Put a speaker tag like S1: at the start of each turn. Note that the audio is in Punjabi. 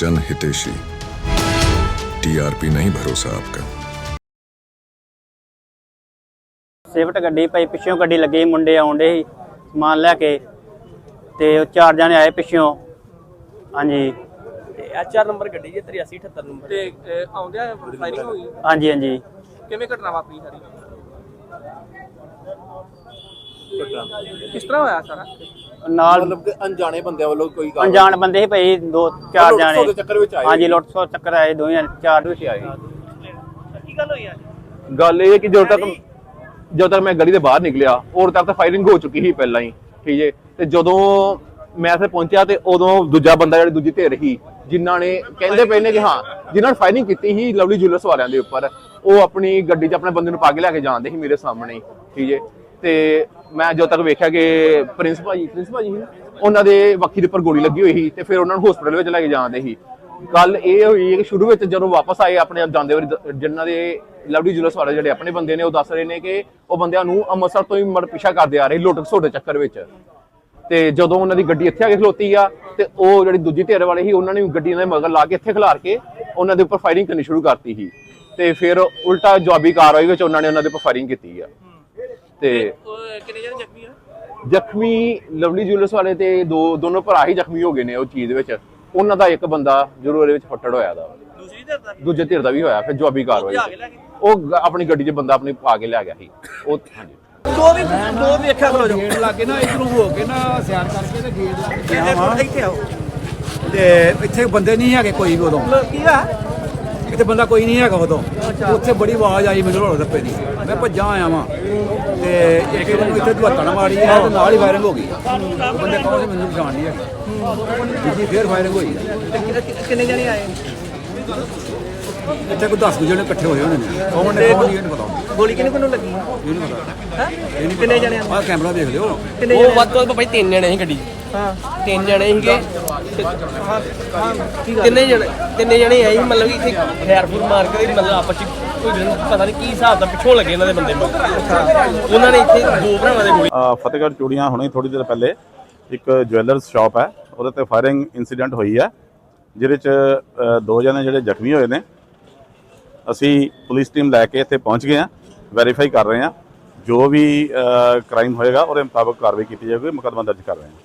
S1: जन हितेशी। टीआरपी नहीं भरोसा आपका।
S2: ਸਿਫਟ ਗੱਡੀ ਭਾਈ ਪਿੱਛੋਂ ਗੱਡੀ ਲੱਗੀ, ਮੁੰਡੇ ਆਉਂਦੇ ਸੀ ਸਮਾਨ ਲੈ ਕੇ ਤੇ 4 ਜਣੇ ਆਏ ਪਿੱਛੋਂ। ਹਾਂਜੀ
S3: HR ਨੰਬਰ ਗੱਡੀ ਜੇ 8378 ਨੰਬਰ ਤੇ ਆਉਂਦਿਆਂ ਫਾਇਰਿੰਗ ਹੋਈ।
S2: ਹਾਂਜੀ ਹਾਂਜੀ।
S3: ਕਿਵੇਂ ਘਟਨਾ ਵਾਪਰੀ ਸਾਰੀ? ਕਿਸ ਤਰ੍ਹਾਂ ਹੋਇਆ ਸਾਰਾ?
S2: ਨਾਲ
S4: मतलब कि अनजाने बंदे वालों कोई
S2: ਅਣਜਾਣ ਬੰਦੇ ਸੀ ਭਾਈ 2-4
S4: ਲੁੱਟ ਖੋਹ ਦੇ ਚੱਕਰ ਵਿੱਚ
S2: ਜਾਣੇ।
S4: ਆਏ।
S2: ਹਾਂਜੀ ਲੁੱਟ ਖੋਹ ਚੱਕਰ ਆਏ, ਦੋਵੇਂ 4 ਵਿੱਚ ਆਏ।
S3: ਕੀ ਗੱਲ ਹੋਈ ਅੱਜ?
S5: ਗੱਲ ਇਹ ਹੈ ਕਿ ਜਦੋਂ ਤੱਕ ਮੈਂ ਗਲੀ ਦੇ ਬਾਹਰ ਨਿਕਲਿਆ ਉਦੋਂ ਤੱਕ ਤਾਂ ਫਾਇਰਿੰਗ ਹੋ ਚੁੱਕੀ ਸੀ ਪਹਿਲਾਂ ਹੀ, ਠੀਕ ਹੈ। ਤੇ ਜਦੋਂ ਮੈਂ ਇੱਥੇ ਪਹੁੰਚਿਆ ਤੇ ਉਦੋਂ ਦੂਜਾ ਬੰਦਾ ਜਿਹੜੀ ਦੂਜੀ ਧਿਰ ਸੀ ਜਿਨ੍ਹਾਂ ਨੇ ਕਹਿੰਦੇ ਪਏ ਨੇ ਕਿ ਹਾਂ ਜਿਨ੍ਹਾਂ ਨੇ ਫਾਇਰਿੰਗ ਕੀਤੀ ਸੀ ਲਵਲੀ ਜੁਐਲਰਸ ਵਾਲਿਆਂ ਦੇ ਉੱਪਰ, ਉਹ ਆਪਣੀ ਗੱਡੀ 'ਚ ਆਪਣੇ ਬੰਦੇ ਨੂੰ ਪਾ ਕੇ ਲੈ ਕੇ ਜਾਂਦੇ ਸੀ ਮੇਰੇ ਸਾਹਮਣੇ, ਠੀਕ ਹੈ। ਤੇ ਮੈਂ ਜਦੋਂ ਤੱਕ ਵੇਖਿਆ ਕਿ ਪ੍ਰਿੰਸ ਭਾਜੀ ਉਹਨਾਂ ਦੇ ਵੱਖੀ ਦੇ ਉੱਪਰ ਗੋਲੀ ਲੱਗੀ ਹੋਈ ਸੀ ਤੇ ਫਿਰ ਉਹਨਾਂ ਨੂੰ ਹਸਪੀਟਲ ਵਿੱਚ ਲੈ ਕੇ ਜਾਂਦੇ ਸੀ। ਗੱਲ ਇਹ ਹੋਈ ਕਿ ਸ਼ੁਰੂ ਵਿੱਚ ਜਦੋਂ ਵਾਪਸ ਆਏ ਆਪਣੇ ਜਾਂਦੇ ਵਾਰੀ ਜਿਨ੍ਹਾਂ ਦੇ ਲਵਲੀ ਜੁਐਲਰਸ ਵਾਲੇ ਜਿਹੜੇ ਆਪਣੇ ਬੰਦੇ ਨੇ ਉਹ ਦੱਸ ਰਹੇ ਨੇ ਕਿ ਉਹ ਬੰਦਿਆਂ ਨੂੰ ਅੰਮ੍ਰਿਤਸਰ ਤੋਂ ਹੀ ਪਿੱਛਾ ਕਰਦੇ ਆ ਰਹੇ ਲੁੱਟ ਖਸੁੱਟ ਦੇ ਚੱਕਰ ਵਿੱਚ। ਤੇ ਜਦੋਂ ਉਹਨਾਂ ਦੀ ਗੱਡੀ ਇੱਥੇ ਆ ਕੇ ਖਲੋਤੀ ਆ ਤੇ ਉਹ ਜਿਹੜੀ ਦੂਜੀ ਧਿਰ ਵਾਲੇ ਸੀ ਉਹਨਾਂ ਨੇ ਗੱਡੀ ਦੇ ਮਗਰ ਲਾ ਕੇ ਇੱਥੇ ਖਿਲਾਰ ਕੇ ਉਹਨਾਂ ਦੇ ਉੱਪਰ ਫਾਇਰਿੰਗ ਕਰਨੀ ਸ਼ੁਰੂ ਕਰਤੀ ਸੀ। ਤੇ ਫਿਰ ਉਲਟਾ ਜਵਾਬੀ ਕਾਰਵਾਈ ਵਿੱਚ ਉਹਨਾਂ ਨੇ ਉਹਨਾਂ ਦੇ ਉੱਪਰ ਫਾਇਰਿੰਗ ਕੀਤੀ ਆ। ਤੇ
S3: ਕਿੰਨੇ ਜਣੇ ਜ਼ਖਮੀ ਆ?
S5: ਜ਼ਖਮੀ ਲਵਲੀ ਜੁਐਲਰਸ ਵਾਲੇ ਤੇ ਦੋਨੋਂ ਭਰਾ ਹੀ ਜ਼ਖਮੀ ਹੋ ਗਏ ਨੇ ਉਹ ਚੀਜ਼ ਵਿੱਚ। ਉਹਨਾਂ ਦਾ ਇੱਕ ਬੰਦਾ ਜ਼ਰੂਰ ਉਹਦੇ ਵਿੱਚ ਫੱਟੜ ਹੋਇਆ ਦਾ,
S3: ਦੂਸਰੀ ਧਿਰ ਦਾ
S5: ਦੂਜੇ ਧਿਰ ਦਾ ਵੀ ਹੋਇਆ। ਫਿਰ ਜਵਾਬੀ ਕਾਰਵਾਈ ਉਹ ਆਪਣੀ ਗੱਡੀ 'ਚ ਬੰਦਾ ਆਪਣੀ ਪਾ ਕੇ ਲੈ ਗਿਆ ਸੀ ਉਹ। ਹਾਂਜੀ
S3: ਦੋ ਵੇਖਿਆ ਕਰੋ ਜੋ
S6: ਗੇਟ ਲਾ ਕੇ ਨਾ ਇਧਰੋਂ ਹੋ ਕੇ ਨਾ ਸਿਆਰ ਕਰਕੇ ਤੇ ਗੇਟ ਲਾ ਕੇ ਗਿਆ ਵਾਂ।
S3: ਇੱਥੇ ਆਓ।
S6: ਤੇ ਇੱਥੇ ਬੰਦੇ ਨਹੀਂ ਹੈਗੇ ਕੋਈ ਵੀ ਉਦੋਂ,
S3: ਕੀ ਆ?
S6: ਇੱਥੇ ਬੰਦਾ ਕੋਈ ਨਹੀਂ ਹੈਗਾ ਉਦੋਂ। ਉੱਥੇ ਬੜੀ ਆਵਾਜ਼ ਆਈ ਮੈਨੂੰ ਰੋੜ ਰੱਪੇ ਦੀ, ਮੈਂ ਭੱਜਾਂ ਆਇਆ ਵਾਂ ਤੇ ਇੱਕ ਨੂੰ ਇੱਥੇ ਧੁੱਤਣ ਮਾਰੀ ਹੈ ਤੇ ਨਾਲ ਹੀ ਫਾਇਰਿੰਗ ਹੋ ਗਈ। ਬੰਦੇ ਕੌਣ ਸੀ ਮੈਨੂੰ ਪਛਾਣ ਨਹੀਂ ਹੈਗੀ। ਦੂਜੀ ਫੇਰ ਫਾਇਰਿੰਗ ਹੋਈ।
S3: ਕਿੰਨੇ ਜਣੇ ਆਏ?
S6: ਇੱਥੇ ਕੋਈ 10 ਜਣੇ ਇਕੱਠੇ ਹੋਏ ਹੋਣੇ ਨੇ। ਕੌਣ ਨੇ ਕੌਣ ਨਹੀਂ ਇਹ ਨਹੀਂ ਪਤਾ।
S3: ਗੋਲੀ ਕਿਹਨੂੰ ਲੱਗੀ?
S6: ਇਹ ਨਹੀਂ ਪਤਾ।
S3: ਕਿੰਨੇ ਜਣੇ ਆ?
S6: ਆਹ ਕੈਮਰਾ ਦੇਖ ਲਿਓ।
S3: ਉਹ ਵੱਧ ਤੋਂ ਵੱਧ ਭਾਈ 3 ਜਣੇ ਸੀ ਗੱਡੀ 'ਚ। ਹਾਂ 3 ਜਣੇ ਸੀਗੇ। ਤਿੰਨੇ ਜਣੇ ਆਏ ਸੀ, ਮਤਲਬ ਕਿ ਇੱਥੇ ਖੈਰਪੁਰ ਮਾਰ ਕੇ ਮਤਲਬ ਆਪਸ 'ਚ ਕੋਈ ਪਤਾ ਨਹੀਂ ਕੀ ਹਿਸਾਬ ਦਾ ਪਿੱਛੋਂ ਲੱਗੇ ਇਹਨਾਂ ਦੇ ਬੰਦੇ ਨੂੰ। ਉਹਨਾਂ ਨੇ ਇੱਥੇ 2 ਭਰਾਵਾਂ ਦੇ ਗੋਲੀ।
S7: ਫਤਿਹਗੜ੍ਹ ਚੂੜੀਆਂ ਹੁਣੇ ਥੋੜੀ ਦੇਰ ਪਹਿਲੇ ਇੱਕ ਜੁਐਲਰਸ ਸ਼ਾਪ ਹੈ, ਉਹਦੇ ਤੇ ਫਾਇਰਿੰਗ ਇਨਸੀਡੈਂਟ ਹੋਈ ਹੈ ਜਿਹਦੇ 'ਚ 2 ਜਣੇ ਜਿਹੜੇ ਜ਼ਖਮੀ ਹੋਏ ਨੇ। ਅਸੀਂ ਪੁਲਿਸ ਟੀਮ ਲੈ ਕੇ ਇੱਥੇ ਪਹੁੰਚ ਗਏ ਹਾਂ, ਵੈਰੀਫਾਈ ਕਰ ਰਹੇ ਹਾਂ। ਜੋ ਵੀ ਕ੍ਰਾਈਮ ਹੋਏਗਾ ਉਹਦੇ ਮੁਤਾਬਕ ਕਾਰਵਾਈ ਕੀਤੀ ਜਾਵੇਗੀ। ਮੁਕੱਦਮਾ ਦਰਜ ਕਰ ਰਹੇ ਹਾਂ।